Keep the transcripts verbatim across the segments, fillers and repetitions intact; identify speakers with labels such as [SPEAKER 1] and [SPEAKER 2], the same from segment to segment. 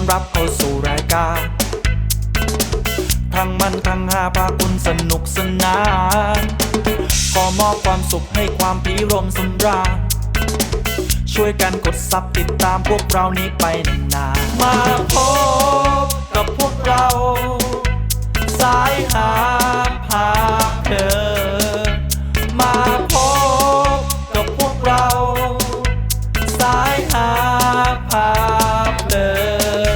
[SPEAKER 1] รับเข้าสู่รายการทั้งมันทั้งหาพาคุณสนุกสนานขอมอบความสุขให้ความพิรมสำราญช่วยกันกดซับติดตามพวกเรานี้ไปนานๆมาพบกับพวกเราสายหาพาเพลินมาพบกับพวกเราสายหาพาเพลิน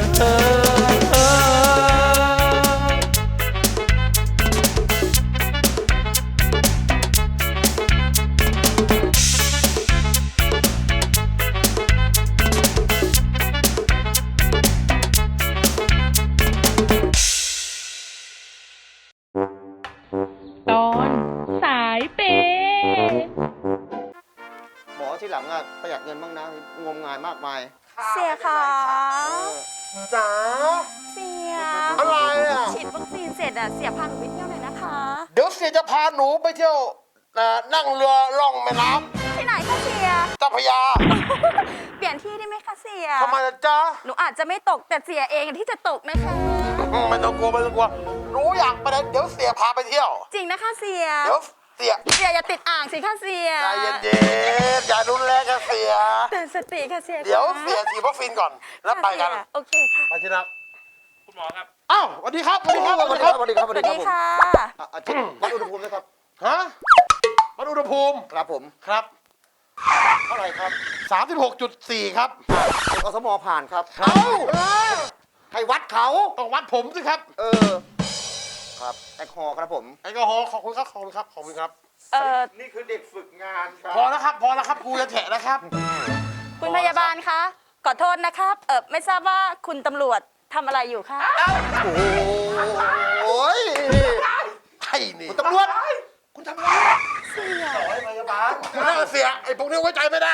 [SPEAKER 2] ตอนสายเปย์
[SPEAKER 3] หมอที่หลังอะประหยัดเงินบ้างนะงมงายมากมาย
[SPEAKER 4] เสียค่ะ
[SPEAKER 3] จ๋า
[SPEAKER 4] เสีย
[SPEAKER 3] อะไรอะ
[SPEAKER 4] ฉีดวัคซีนเสร็จอะเสียพาหนูไปเที่ยวหน่อยนะคะ
[SPEAKER 3] เดี๋ยวเสียจะพาหนูไปเที่ยวนั่งเรือล่องแม่น้
[SPEAKER 4] ที่ไหนคะเสีย
[SPEAKER 3] ำเจ้าพระยา
[SPEAKER 4] เปลี่ยนที่ได้ไหมคะเสีย
[SPEAKER 3] ทำไมล่ะจ๊ะ
[SPEAKER 4] หนูอาจจะไม่ตกแต่เสียเองที่จะตกนะคะ
[SPEAKER 3] ไม่ต้องกลัวไม่ต้องกลัวหนูอยากไปไหนเดี๋ยวเสียพาไปเที่ยว
[SPEAKER 4] จริงนะคะเสีย
[SPEAKER 3] เดี๋ยวเสีย
[SPEAKER 4] เสียอย่าติดอ่างสิคะเสีย
[SPEAKER 3] ใจเย็นๆอย่ารุนแรงกับเสีย
[SPEAKER 4] เตือนสติค่ะเสีย
[SPEAKER 3] เดี๋ยวเสียฉีดวัคซีนก่อนแล้วไปกัน
[SPEAKER 4] โอเคค่ะ
[SPEAKER 3] ไปที่นัก
[SPEAKER 5] คุณหมอครับ
[SPEAKER 3] อ้าวสวัสดีครับสวัสดีครับสวัสดีครับสวัสดีครับ
[SPEAKER 4] สวัสดีค่ะ
[SPEAKER 3] อาจารย์วัดอุณหภูมินะครับฮะวัดอุณหภูมิครับผมครับเท่าไหร่ครับสามสิบหกจุดสี่ครับอสมผ่านครับเอ้าให้วัดเขาต้องวัดผมสิครับเออครับแอลกอฮอล์ครับผมแอลกอฮอล์ขอบคุณครับขอบคุณครับขอบคุณครับ
[SPEAKER 4] เออ
[SPEAKER 3] นี่คือเด็กฝึกงานครับพอแล้วครับพอแล้วครับครูจะแฉะแล้วครับ
[SPEAKER 4] คุณพยาบาลคะขอโทษนะครับเออไม่ทราบว่าคุณตำรวจทำอะไรอยู่คะ
[SPEAKER 3] โอ้ยไอ้นี่คุณตำรวจคุณทำอะไรเสียพยาบาลน่าเสียไอ้พวกนี้ไว้ใจไม่ได้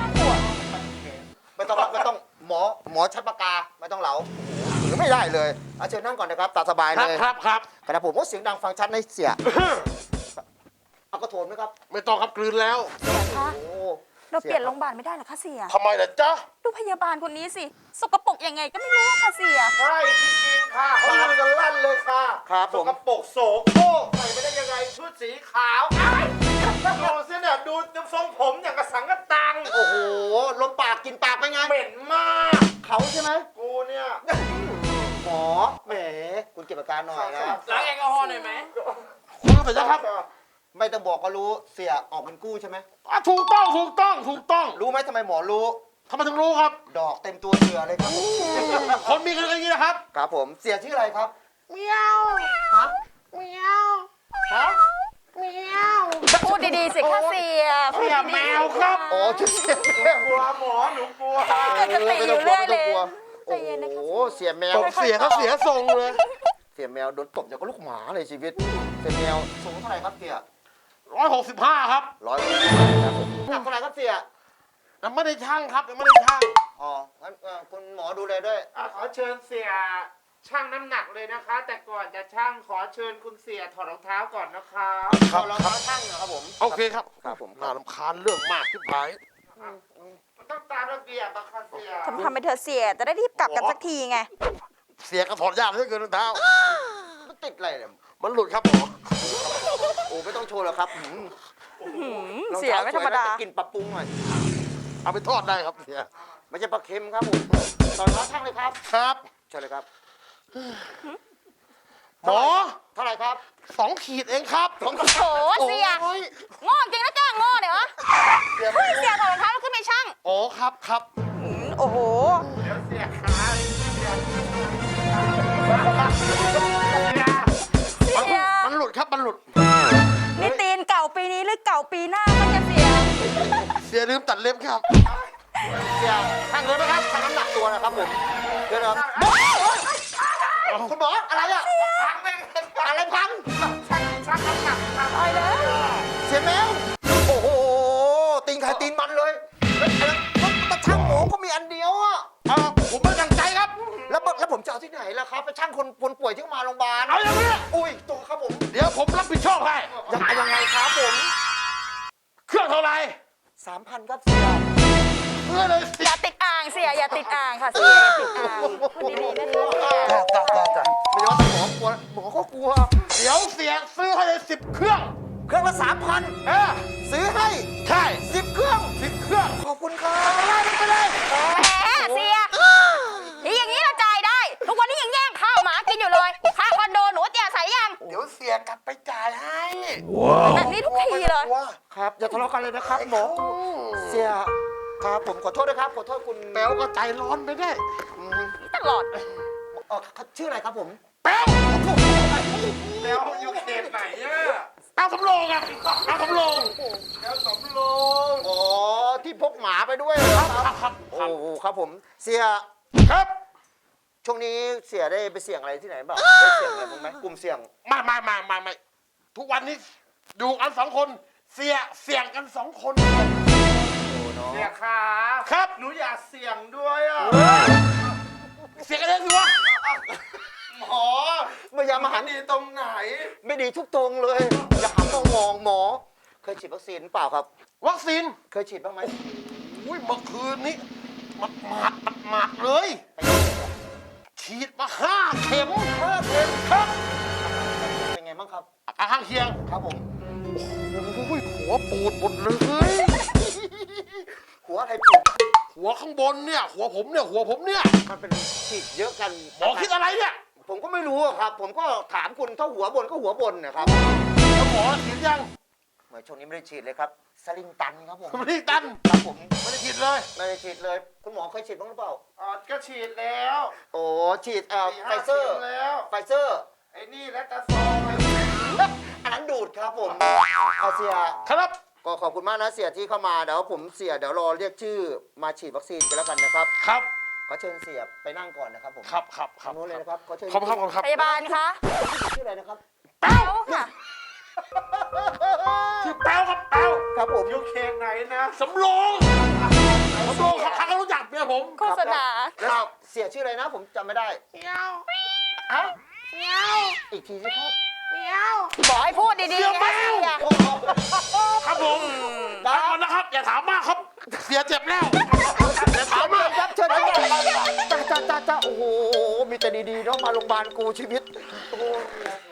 [SPEAKER 3] ไม่ต้องไม่ต้องหมอหมอชัดปากกาไม่ต้องเหลาหรือไม่ได้เลยเอาเชิญนั่งก่อนนะครับตามสบายเลยครับครับขณะผมว่าเสียงดังฟังชัดในเสียเอากระโถนไหมครับไม่ต้องครับกลืนแล้ว
[SPEAKER 4] เสียคะเราเปลี่ยนโรงพยาบาลไม่ได้เหรอคะเสีย
[SPEAKER 3] ทำไมล่ะจ๊ะ
[SPEAKER 4] ดูพยาบาลคนนี้สิสกปรกยังไงก็ไม่รู้ค่ะเสีย
[SPEAKER 3] ใช่จริงๆค่ะเขาลือกันลั่นเลยค่ะครับผมสกปรกโสโครกใส่ไปได้ยังไงชุดสีขาวดูสิเนี่ยดูทรงผมอย่างกระสังกระตังโอ้โหลมปากกินปากไปไงเหม็นมากเขาใช่ไหมกูเนี่ยหมอแหมคุณเก็บอาการหน่อยนะ
[SPEAKER 5] ล้างแอลกอฮอล์หน่อยไหม
[SPEAKER 3] คุณรู้สึกยังครับไม่ต้องบอกก็รู้เสียออกเป็นกู้ใช่ไหมถูกต้องถูกต้องถูกต้องรู้ไหมทำไมหมอรู้ทำไมถึงรู้ครับดอกเต็มตัวเสือเลยครับคนมีกันอย่างนี้นะครับครับผมเสียชื่ออะไรครับเมียวฮะเมียวฮะเมียว
[SPEAKER 4] พูดดีๆสิคะเสีย
[SPEAKER 3] เสียแมวครับโอ้ชื่อเสียแมวกลัวหมอหนูกลัว
[SPEAKER 4] เกิดสติอยู่เรื่อยเลย
[SPEAKER 3] โอ้โหเสียแมวเสียเขาเสียทรงเลยเสียแมวโดนตบอย่างกับลูกหมาเลยชีวิตเสียแมวสูงเท่าไหร่ครับเสียร้อยหกสิบห้าครับร้อยหกสิบห้าครับผมหนักเท่าไหร่ครับเสียยังไม่ได้ช่างครับยังไม่ได้ช่างอ๋องั้นคุณหมอดูเลยด้วย
[SPEAKER 5] ขอเชิญเสียช่างน้ำหนักเลยนะคะ แต่ก่อนจะช่างขอเชิญคุณเสียถอดรองเท้าก่อนนะคะ
[SPEAKER 3] ครับรองเท้าช่างเหรอครับผมโอเคครับครับผมน่ารำคาญเรื่องมากที่ผาย
[SPEAKER 5] ต้องตามระเบียบนะคะเสีย
[SPEAKER 4] ทำทำไปเธอเสียจะได้รีบกลับกันสักทีไง
[SPEAKER 3] เสียก็ถอดยากเหลือเกินรองเท้ามันติดอะไรเนี่ยมันหลุดครับหมอโอ้ไม่ต้องโชว์หรอกครับ
[SPEAKER 4] เสียไม่ธรรมดา
[SPEAKER 3] กินปลาปุ้งหน่อยเอาไปทอดได้ครับเสียไม่ใช่ปลาเค็มครับผมตอนรับช่างเลยครับครับใช่เลยครับหมอเท่าไหร่ครับสองขีดเองครับสองขีด
[SPEAKER 4] โอ้เสียโง่จริงนะจ้างโง่เนี่ยวะเสียเสียถอดรองเท้าแล้วขึ้นไปช่าง
[SPEAKER 3] โอ้ครับครับ
[SPEAKER 4] โอ้โห
[SPEAKER 5] เดี๋ยวเสียขา
[SPEAKER 3] มันหลุดครับมันหลุด
[SPEAKER 4] นี่ตีนเก่าปีนี้หรือเก่าปีหน้ามันจะเสีย
[SPEAKER 3] เสียลืมตัดเล็บครับเสียช่างเลยไหมครับช่างน้ำหนักตัวนะครับผมเดี๋ยวนะครับคุณหมออะไรอะพังไปอะไรพัง
[SPEAKER 5] ช่างช่างน้ำหนัก
[SPEAKER 4] อะไรเลย
[SPEAKER 3] เสียแมวโอ้โหตีนใครตีนมันเลยแต่ช่างหมูก็มีอันเดียวอะผมไม่ตั้งใจครับแล้วแล้วผมจะเอาที่ไหนล่ะครับไปช่างคนคนป่วยที่มาโรงพยาบาลเอาอย่างนี้อุ้ยตัวครับผมเดี๋ยวผมรับผิดชอบให้ยังยังไงครับผมเครื่องเท่าไหร่สามพันครับเสียซื้อเลยสิ
[SPEAKER 4] อย่าติดอ่างเสียอย่าติดอ่างค่ะเสียอย่าติดอ่างพูดดีๆนะคะ
[SPEAKER 3] จ้าจ้าจ้าจ้าไม่ว่าแต่หมอกลัวหมอก็กลัว เดี๋ยวเสียซื้อให้เลยสิบเครื่อง เครื่องละสามพันเออซื้อให้ ใช่สิบเครื่องสิบเครื่อง ขอบคุณครับไปเลยไปเลย
[SPEAKER 4] แหมเสียนี่อย่างนี้เราจ่ายได้ ทุกวันนี้ยังแย่งข้าวหมากินอยู่เลยค่าคอนโดหนูเตียใส่ยัง
[SPEAKER 3] เดี๋ยวเสียกลับไปจ่ายให้
[SPEAKER 4] แบบนี้ทุกทีเลย
[SPEAKER 3] ครับอย่าทะเลาะกันเลยนะครับหมอ เสียครับผมขอโทษนะครับขอโทษคุณแป๊วก็ใจร้อนไปได้อืม
[SPEAKER 4] ตลอด
[SPEAKER 3] เออชื่ออะไรครับผม
[SPEAKER 5] แป๊วแล้วอยู่เขตไหนอะ
[SPEAKER 3] แป๊วสำโรงอะแป๊วสำโรงแป๊วสำโรงอ๋อที่พกหมาไปด้วยเหรอครับครับโอ้โหครับผมเสียครับ ช่วงนี้เสียได้ไปเสี่ยงอะไรที่ไหนบ้างได้เสี่ยงอะไรบ้างไหมกลุ่มเสี่ยง
[SPEAKER 6] ไม่ไม่ไม่ไม่ไม่ทุกวันนี้ดูกันสองคนเสียเสี่ยงกันสองคน
[SPEAKER 5] เสียขา
[SPEAKER 6] ครับ
[SPEAKER 5] หนูอยากเสี่ยงด้วยอ่ะ
[SPEAKER 6] เสี่ยงกันเองสิวะ
[SPEAKER 3] หมอไม่ยามาหัน
[SPEAKER 5] ดีตรงไหน
[SPEAKER 3] ไม่ดีทุกตรงเลยอย่าหันมองมองหมอ เคยฉีดวัคซีนเปล่าครับ
[SPEAKER 6] วัคซีน
[SPEAKER 3] เคยฉีดบ้างไหม
[SPEAKER 6] อุ้ยเมื่อคืนนี้มัดหมาดมัดหมาดเลย ฉีดมาห้าเข็ม
[SPEAKER 3] ห้าเข็ม
[SPEAKER 6] ครับ
[SPEAKER 3] เป็นไงบ้างครับ
[SPEAKER 6] อาการข้างเคียง
[SPEAKER 3] ครับผม
[SPEAKER 6] โอ้ยหัวปูดหมดเลย
[SPEAKER 3] หัวอะไรปวด
[SPEAKER 6] หัวข้างบนเนี่ย หัวผมเนี่ย หัวผมเนี่ย
[SPEAKER 3] มันเป็นฉีดเยอะกัน
[SPEAKER 6] หมอคิดอะไรเนี่ย
[SPEAKER 3] ผมก็ไม่รู้อะครับ ผมก็ถามคุณถ้าหัวบนก็หัวบนนะครับ
[SPEAKER 6] แล้วหมอฉีดยัง
[SPEAKER 3] เหมือนช่วงนี้ไม่ได้ฉีดเลยครับสลิงตันครับผม
[SPEAKER 6] ไม่ได้ตัน
[SPEAKER 3] ครับผม
[SPEAKER 6] ไม่ได้ฉีดเลย
[SPEAKER 3] ไม่ได้ฉีดเลย คุณหมอเคยฉีดบ้างหรือเปล่า
[SPEAKER 5] อ๋อก็ฉีดแล้ว
[SPEAKER 3] โอ้ฉีดเอ่อ
[SPEAKER 5] สี่
[SPEAKER 3] ไฟ
[SPEAKER 5] ห้า
[SPEAKER 3] เซอร์
[SPEAKER 5] ข็มแล้ว
[SPEAKER 3] ไฟเซอร์
[SPEAKER 5] ไอ้นี่และตาซอย
[SPEAKER 3] อันนั้นดูดครับผมเอาเสีย
[SPEAKER 6] ครับ
[SPEAKER 3] ก็ขอบคุณมากนะเสียที่เข้ามาเดี๋ยวผมเสียเดี๋ยวรอเรียกชื่อมาฉีดวัคซีนกันแล้วกันนะครับ
[SPEAKER 6] ครับ
[SPEAKER 3] ขอเชิญเสียไปนั่งก่อนนะครับผม
[SPEAKER 6] ครับครับค
[SPEAKER 3] ทา
[SPEAKER 6] รับ
[SPEAKER 3] งโน้นเลยนะครับขอเชิญ
[SPEAKER 6] ขอบคุณครับขอบคุณครับ
[SPEAKER 4] พยาบาลคะ
[SPEAKER 3] ชื่ออะไรนะครับ
[SPEAKER 4] แป๊วค่ะ
[SPEAKER 6] ชื่อแป๊วครับแป๊ว
[SPEAKER 3] ครับผม
[SPEAKER 5] อยู่เขตไหนนะ
[SPEAKER 6] สำโรงสำโรงใครก็รู้จักเมียผม
[SPEAKER 4] โฆษณา
[SPEAKER 3] แล้วเสียชื่ออะไรนะ ผมจำไม่ได้
[SPEAKER 6] เมียว
[SPEAKER 3] ฮะ
[SPEAKER 6] เมียว
[SPEAKER 3] อีกทีสิครับ
[SPEAKER 6] เมียว
[SPEAKER 4] บอกให้พูดดี
[SPEAKER 6] เสีย
[SPEAKER 4] ๆ
[SPEAKER 6] แม
[SPEAKER 4] ไง
[SPEAKER 6] ว
[SPEAKER 4] เสีย
[SPEAKER 6] ครับผมไปก่อนนะครับ อย่าถามมากครับ เสียเจ็บแล้วอย่าถามมาก
[SPEAKER 3] ครับเชิญครับจ้าจ้าจ้าจ้าโอ้โหมีแต่ดีๆเนาะมาโรงพยาบาลกูชีวิตโอ้โห